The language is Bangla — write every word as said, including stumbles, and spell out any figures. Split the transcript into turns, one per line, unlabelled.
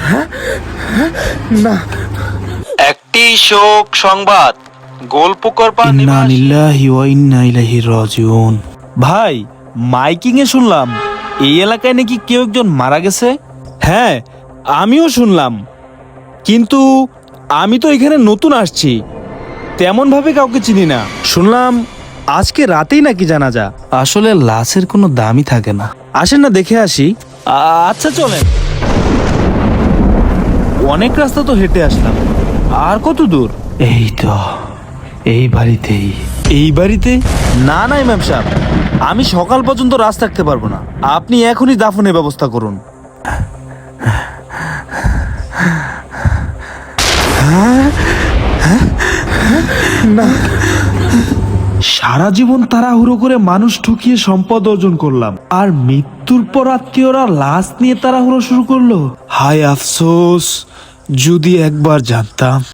না,
একটি শোক সংবাদ, গোলপুকুরপাড়
ইন্না
নিবাসী
লিল্লাহি ওয়া ইন্না ইলাইহি রাজিউন। ভাই, মাইকিং এ শুনলাম এই এলাকায় নাকি কেউ একজন মারা গেছে। হ্যাঁ, আমিও শুনলাম, কিন্তু আমি তো এখানে নতুন আসছি, তেমন ভাবে কাউকে চিনি না। শুনলাম আজকে রাতেই নাকি জানাজা। আসলে লাশের কোনো দামই থাকে না। আসেন না দেখে আসি। আ- আচ্ছা চলেন। অনেক রাস্তা তো হেঁটে আসলাম, আর কত দূর? এই তো এই বাড়িতেই। এই বাড়িতে? না না ইমাম সাহেব, আমি সকাল পর্যন্ত রাত থাকতে পারবো না। আপনি এখনই দাফনের ব্যবস্থা করুন। না, সারা জীবন তাড়াহুড়ো করে মানুষ ঠকিয়ে সম্পদ অর্জন করলাম, আর মৃত্যুর পর আত্মীয়রা লাশ নিয়ে তাড়াহুড়ো শুরু করলো। হায় আফসোস, যদি একবার জানতাম।